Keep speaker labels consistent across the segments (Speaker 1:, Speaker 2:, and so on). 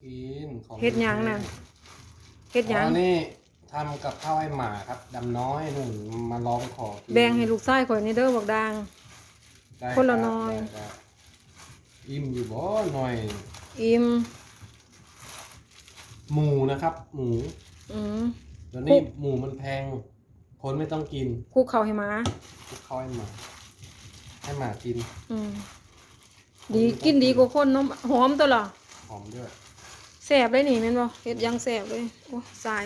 Speaker 1: กินของ
Speaker 2: เฮ็ดหยังน่ะเฮ็ดหยัง
Speaker 1: นี่ทำกับข้าวให้หมาครับดำน้อยหนึ่งมาลองขอกิน
Speaker 2: แบ่งให้ลูกชายข่อยนี่เด้อบักดัง
Speaker 1: ได้
Speaker 2: คนละ
Speaker 1: รับ
Speaker 2: น้อย
Speaker 1: ได้ครับอิ่มอยู่บ่หน่อย
Speaker 2: อิ่ม
Speaker 1: หมูนะครับ หมู
Speaker 2: อืม
Speaker 1: ตอนนี้หมูมันแพงคนไม่ต้องกิน
Speaker 2: คลุกข้าวให้หมา
Speaker 1: คลุกข้าวให้หมากิน
Speaker 2: อืมดีกินดีกว่าคนเนาะหอมตัวล่ะ
Speaker 1: หอมด้วย
Speaker 2: แซ่บเลยนี่แม่นบ่เฮ็ดหยังแซ่บเลยโอ้สาย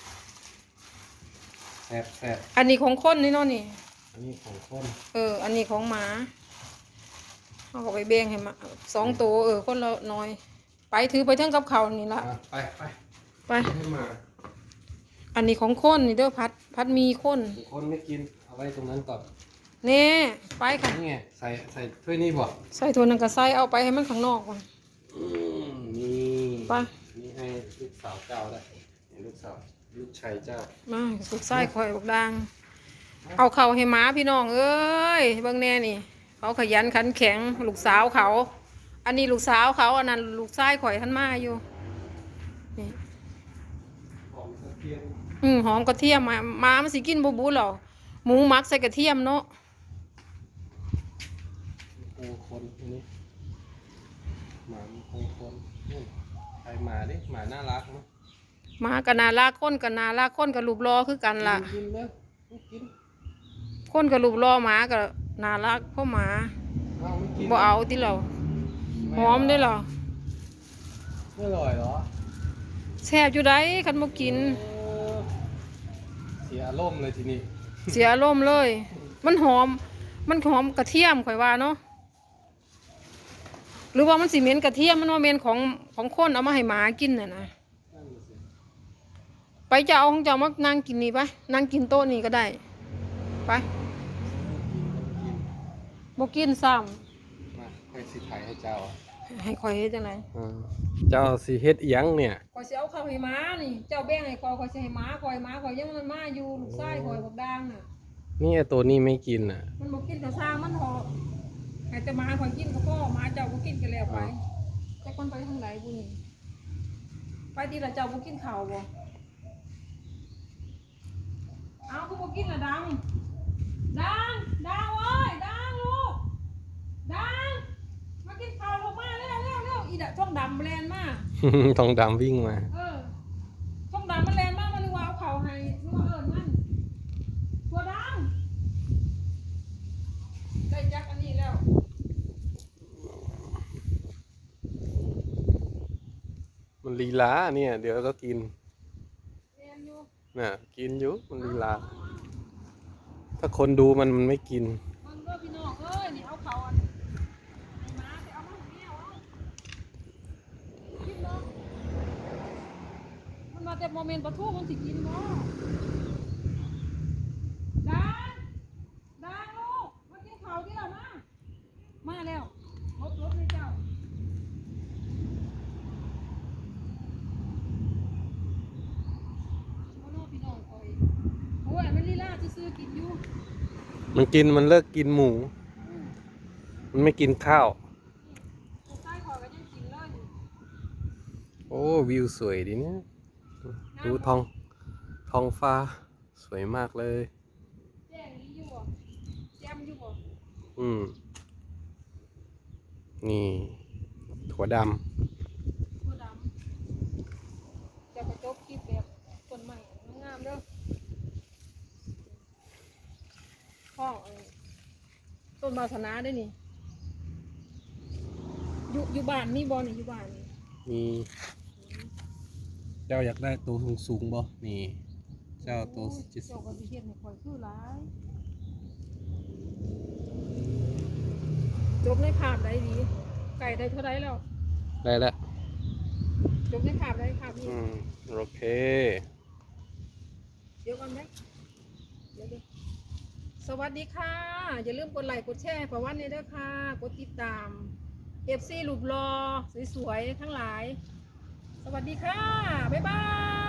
Speaker 1: แซ่บแซ่บ
Speaker 2: อันนี้ของคนนี่เนาะนี่
Speaker 1: อันนี้ของคน
Speaker 2: อันนี้ของหมาเอาก็ไปแบ่งให้หมา2ตัวคนละน้อย ไปถือไปเทั้งกับข้าวนี่ละ
Speaker 1: อ่ะไป
Speaker 2: ไป
Speaker 1: ให้หมา
Speaker 2: อันนี้ของคนนี่เด้อพัดมีคน
Speaker 1: คนไม่กินเอาไว้ตรงนั้นก่อน
Speaker 2: แน่ไปค่ะ
Speaker 1: นี่ไงใส่ถ้วยนี่บ่
Speaker 2: ใส่ถ้วยนึงก็ใส่เอาไปให้มันข้างนอกก่อน
Speaker 1: นี่
Speaker 2: ไป
Speaker 1: นี่ให้ลูกสาวเจ้าได้ให้ลูกชายเจ้า
Speaker 2: มาสุกไส้ข่อยบักดังเอาเข้าวให้หมาพี่น้องเอ้ยเบิ่งแน่นี่เขาขยันขันแข็งลูกสาวเขา อันนี้ลูกสาวเขาอันนั้นลูกชายข่อยท่านมาอยู่นี่
Speaker 1: ของกระเทียม
Speaker 2: หอมกระเทียมมามันสิกินบูหรอหมูหมักใส่กระเทียมเนาะ
Speaker 1: โอ้คนอันนี้หมาโอ้คนนี่ใครหมาดิหมาน่ารักเนาะ
Speaker 2: หมากับนาลากคนกับนาลากคนกับรูปรอคือกันล่ะ
Speaker 1: กินเลยกิน
Speaker 2: คนกับรูปรอหมากับนาลากพ่อหมา
Speaker 1: เอาไม่กิน
Speaker 2: บ่เอาติเราหอมได้เหรอ
Speaker 1: ไม่อร่อยเหรอ
Speaker 2: แซ่บอยู่ได้คันบ่กิน
Speaker 1: เออเสียอารมณ์เลยทีนี้
Speaker 2: เสียอารมณ์เลย มันหอมกระเทียมข่อยว่าเนาะหรือว่ามันสิเหม็นกระเทียมมันว่าเหม็นของคนเอามาให้หมากินน่ะนะ
Speaker 1: นั่นน่ะสิ
Speaker 2: ไปจะเอาของเจ้ามานั่งกินนี่ไปนั่งกินโต๊ะนี่ก็ได้ไป
Speaker 1: กิน
Speaker 2: บ่กินซ้
Speaker 1: มาค่อยสิถ่ายให้เจ้าอ่ะ
Speaker 2: ำให้ข่อยเฮ็ดจังได
Speaker 1: เจ้าสิเฮ็ดอีหยังเนี่ย
Speaker 2: ข่อยสิเอาข้าวให้หมานี่เจ้าแบ่งให้ข่อยสิให้หมาข่อยยังมันมาอยู่ลูกชายข่อยบักด่างน่ะ
Speaker 1: นี่ไอ้ตัวนี้ไม่กินอ่ะ
Speaker 2: มันบ่กินก็สร้างมันเถอะให้แต่หมาข่อยกินก็พอหมาเจ้าบ่กินก็แล้วไปจักมันไปทางไหนบุนี่ไปดีละเจ้าบ่กินข้าวบ่เอาก็บ่กินละดังเอ้ยดังลูกดังมากินข้าวลูกมาเร็วอีดะช่องดำแลนมา
Speaker 1: ทองดำวิ่งมา
Speaker 2: ช่องดำมันแลนมามันนึกว่าเอาข้าวให้นึกว่ามันตัวดังได้จักอันนี้แล้ว
Speaker 1: มันลีลาเนี่ย เดี๋ยวก็กิน
Speaker 2: แลนอยู่
Speaker 1: น่ะ กินอยู่มันลีลา ถ้าคนดูมันไม่กิน
Speaker 2: มันก็พี่น้องเอ้ยนี่เอาข้าวอันให้หมาไปเอามาให้แมวเอากินเนาะมันมาแต่โมเมนต์ปะทูมันสิกินเนาะดังลูกมากินข้าวที่เรามาแล้วรถเลยเจ้าโอ้โหพี่น้องคอยโอ้ยมันลีลาซื้อกินอยู่
Speaker 1: มันเลิกกินหมู มันไม่กินข้าว
Speaker 2: ใต้คอยก็ยังกินเลย
Speaker 1: โอ้วิวสวยดีเนี่ย ดูท้องฟ้า สวยมากเลย
Speaker 2: แจ้งนี้อยู่บ่แจมอยู่บ่
Speaker 1: นี่ ถั่วด
Speaker 2: ตัวดำจะไปจบคลิปแบบต้นใหม่งามๆเด้อห้องต้นบาสนาได้นี่อยู่บ้านมีบ่นี่อยู่บ้านนี่
Speaker 1: ำมีเจ้าอยากได้ตัวสูงบ่นี่ เจ้าตัวจิต
Speaker 2: เจ้าก็สิเฮ็ดให้ข่อยคือหลายจบในภาพได้ดีไก่ได้เท่าไรแล้ว
Speaker 1: ได้แล้ว
Speaker 2: จบในภาพได้ภาพนี้
Speaker 1: โอเค
Speaker 2: เดี๋ยวก่อนไหมเดี๋ยวสวัสดีค่ะ อย่าลืมกดไลค์กดแชร์ประวันนี้ด้วยค่ะ กดติดตาม FC รูปรอสวยๆทั้งหลาย สวัสดีค่ะ บ๊ายบาย